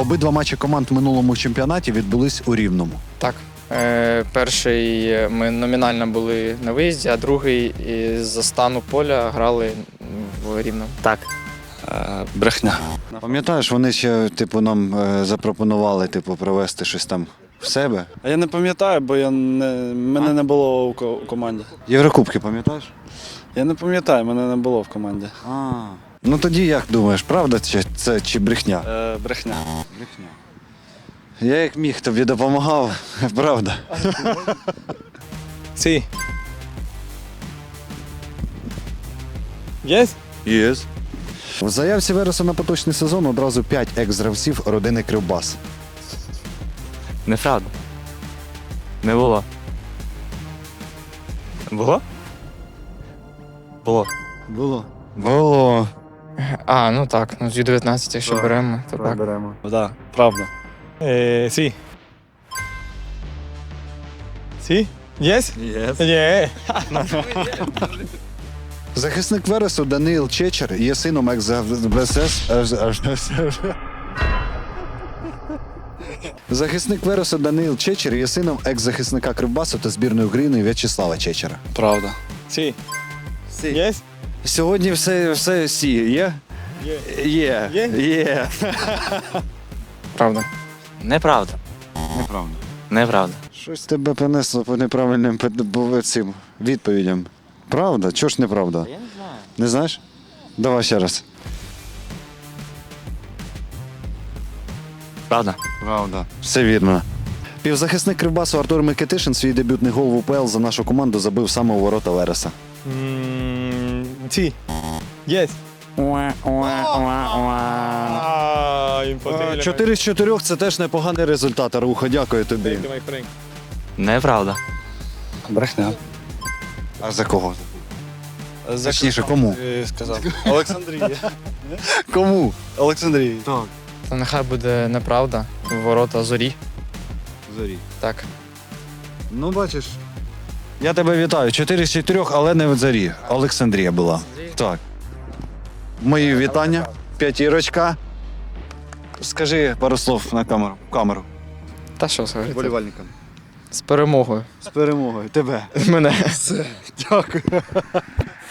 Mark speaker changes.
Speaker 1: Обидва матчі команд в минулому чемпіонаті відбулись у Рівному.
Speaker 2: Так. Перший ми номінально були на виїзді, а другий із-за стану поля грали в Рівному.
Speaker 3: Так.
Speaker 4: Брехня.
Speaker 1: Пам'ятаєш, вони ще нам запропонували провести щось там в себе.
Speaker 4: А я не пам'ятаю, бо мене не було у команді.
Speaker 1: Єврокубки, пам'ятаєш?
Speaker 4: Я не пам'ятаю, мене не було в команді.
Speaker 1: Ну тоді як думаєш, правда це чи брехня?
Speaker 4: Брехня.
Speaker 1: Брехня. Я як міг тобі допомагав, правда.
Speaker 5: Sí. Yes?
Speaker 1: Єс. В заявці Вереса на поточний сезон одразу 5 екс-гравців родини Кривбас.
Speaker 3: Неправда. Не було. Було? Було.
Speaker 1: Було.
Speaker 2: Ну так, з Ю-19, якщо беремо, то так.
Speaker 4: Так, правда.
Speaker 5: Sí. Sí? Yes?
Speaker 4: Yes.
Speaker 5: Yeah.
Speaker 1: Захисник Вересу Даниїл Чечер є сином Захисник Вересу Даниїл Чечер є сином екс-захисника Кривбасу та збірної України В'ячеслава Чечера.
Speaker 4: Правда.
Speaker 5: Sí. Yes?
Speaker 1: Сьогодні все сі є? Є. Є.
Speaker 2: Правда.
Speaker 3: Неправда.
Speaker 1: Неправда.
Speaker 3: Неправда.
Speaker 1: Щось тебе принесло по неправильним цим відповідям. Правда? Чого ж неправда?
Speaker 3: Я не знаю.
Speaker 1: Не знаєш? Давай ще раз.
Speaker 3: Правда.
Speaker 1: Правда. Все вірно. Півзахисник Кривбасу Артур Микитишин свій дебютний гол в УПЛ за нашу команду забив саме у ворота Вереса.
Speaker 5: Sí. Yes. Imposible.
Speaker 1: 4 з 4 – це теж непоганий результат, Аруха. Дякую тобі.
Speaker 5: Thank you, my friend.
Speaker 3: Неправда.
Speaker 4: Брехня.
Speaker 1: А за кого? Точніше, кому?
Speaker 4: Сказав. Олександрія.
Speaker 1: Кому?
Speaker 4: Олександрія.
Speaker 1: Так.
Speaker 2: То нехай буде неправда. Ворота Зорі.
Speaker 1: Зорі.
Speaker 2: Так.
Speaker 1: Ну, бачиш. Я тебе вітаю. 4 з 4, але не в Зорі. Олександрія була. Так. Мої вітання. П'ятірочка. Скажи пару слов на камеру.
Speaker 2: Та що сказати?
Speaker 1: Болівальникам.
Speaker 2: З перемогою.
Speaker 1: З перемогою. Тебе.
Speaker 2: Мене.
Speaker 1: Дякую.